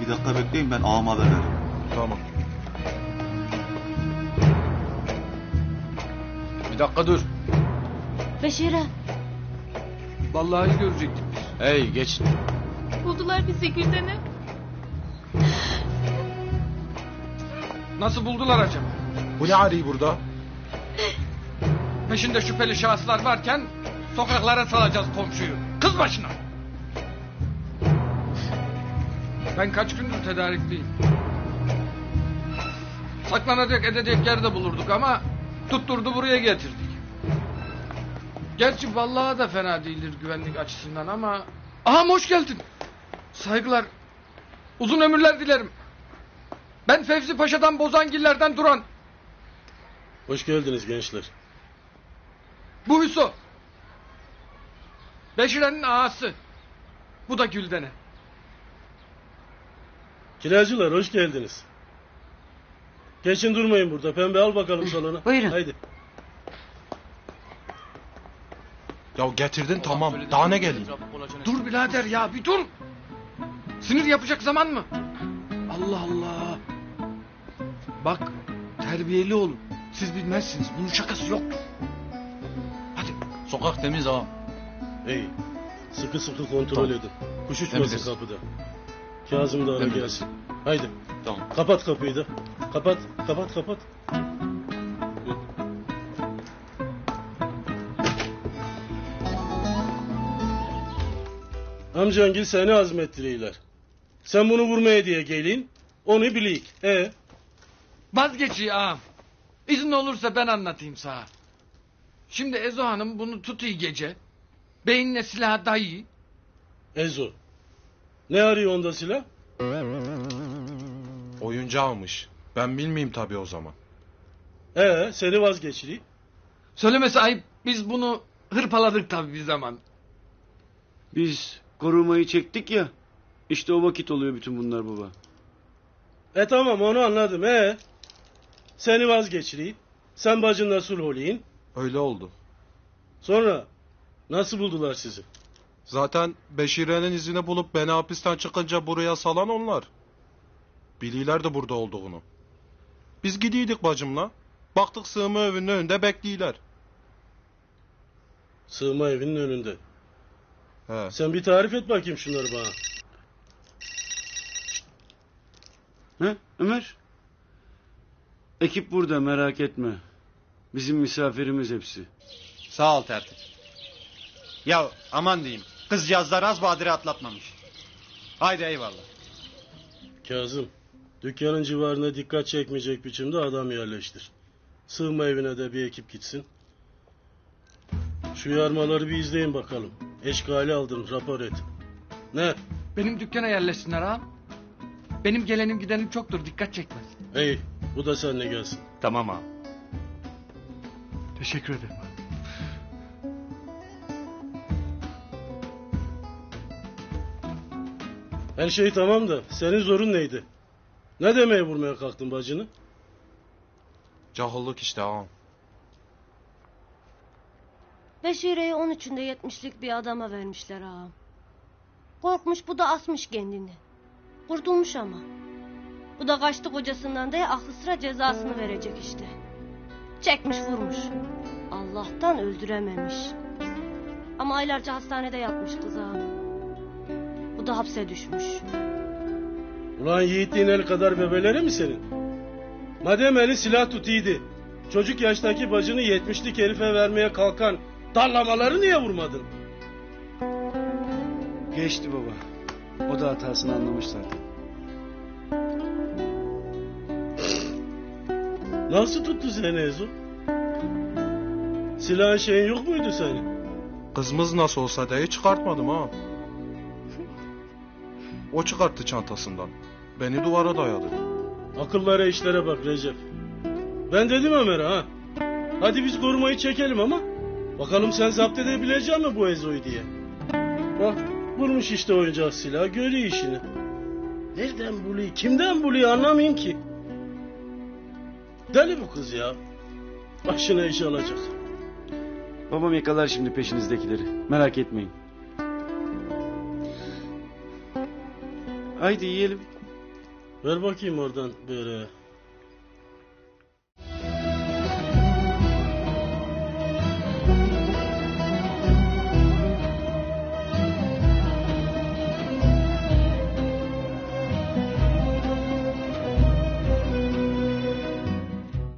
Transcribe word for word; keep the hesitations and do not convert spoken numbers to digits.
Bir dakika bekleyin, ben ağama haber veririm. Tamam. Bir dakika dur. Beşir'e. Vallahi görecektik biz. Hey geç. Buldular bizi Gülden'e. Nasıl buldular acaba? Bu ne arıyor burada? Peşinde şüpheli şahıslar varken sokaklara salacağız komşuyu. Kız başına. Ben kaç gündür tedarikliyim. Saklanacak edecek yerde bulurduk ama tutturdu buraya getirdik. Gerçi vallahi da fena değildir güvenlik açısından ama... Aha hoş geldin. Saygılar. Uzun ömürler dilerim. Ben Fevzi Paşa'dan Bozangiller'den Duran. Hoş geldiniz gençler. Bu Hüso. Beşire'nin ağası. Bu da Gülden'e. Kiracılar hoş geldiniz. Geçin durmayın burada. Pembe al bakalım salona. Buyurun. Haydi. Ya getirdin tamam. Daha ne geleyim? Dur birader ya bir dur. Sinir yapacak zaman mı? Allah Allah. Bak terbiyeli olun. Siz bilmezsiniz. Bunun şakası yoktur. Hadi. Sokak temiz ha. İyi. Sıkı sıkı kontrol Tamam. edin. Kuş uçmasın Temizlesin. kapıda. Kazım da ara Temizlesin. gelsin. Haydi. Tamam. Kapat kapıyı da. Kapat. Kapat kapat. Amcangil seni azmettiriyorlar. Sen bunu vurmaya diye gelin. Onu bileyik. E Vazgeçiyor ağam. İzin olursa ben anlatayım sana. Şimdi Ezo Hanım bunu tutuyor gece. Beynine silahı dayıyor. Ezo. Ne arıyor onda silah? Oyuncağımış. Ben bilmeyeyim tabii o zaman. Ee, seni vazgeçireyim. Söylemesi ayıp. Biz bunu hırpaladık tabii bir zaman. Biz korumayı çektik ya. İşte o vakit oluyor bütün bunlar baba. E tamam onu anladım. E seni vazgeçireyim. Sen bacınla sulh olayım. Öyle oldu. Sonra nasıl buldular sizi? Zaten Beşire'nin izini bulup beni hapisten çıkınca buraya salan onlar. Bililer de burada olduğunu. Biz gidiydik bacımla. Baktık sığınma evinin önünde bekliyorlar. Sığınma evinin önünde. He. Sen bir tarif et bakayım şunları bana. He Ömer? Ekip burada merak etme. Bizim misafirimiz hepsi. Sağ ol tertip. Ya aman diyeyim. Kızcağızlar az badire atlatmamış. Haydi eyvallah. Kazım, dükkanın civarına dikkat çekmeyecek biçimde adam yerleştir. Sığınma evine de bir ekip gitsin. Şu yarmaları bir izleyin bakalım. Eşkali aldım, rapor et. Ne? Benim dükkana yerleşsinler ağam. Benim gelenim gidenim çoktur. Dikkat çekmez. Hey, bu da seninle gelsin. Tamam abi. Teşekkür ederim. Her şey tamam da senin zorun neydi? Ne demeye vurmaya kalktın bacını? Cahillik işte ağam. Beşire'yi on üçünde yetmişlik bir adama vermişler ağam. Korkmuş, bu da asmış kendini. Kurtulmuş ama. Bu da kaçtı kocasından diye aklı sıra cezasını verecek işte. Çekmiş vurmuş. Allah'tan öldürememiş. Ama aylarca hastanede yatmış kız ağam. Bu da hapse düşmüş. Ulan yiğitliğin el kadar bebeleri mi senin? Madem eli silah tutuydu, çocuk yaştaki bacını yetmişlik herife vermeye kalkan darlamaları niye vurmadın? Geçti baba. O da hatasını anlamış zaten. Nasıl tuttu seni Ezo? Silahın şeyin yok muydu senin? Kızımız nasıl olsa diye çıkartmadım ha. O çıkarttı çantasından. Beni duvara dayadı. Akıllara işlere bak Recep. Ben dedim Ömer'e ha. Hadi biz korumayı çekelim ama bakalım sen zapt edebilecek mi bu Ezo'yu diye. Bak bulmuş işte oyuncak silah, görüyor işini. Nereden buluyor, kimden buluyor anlamayayım ki. Deli bu kız ya. Başına iş alacak. Babam yakalar şimdi peşinizdekileri. Merak etmeyin. Haydi yiyelim. Ver bakayım oradan böyle.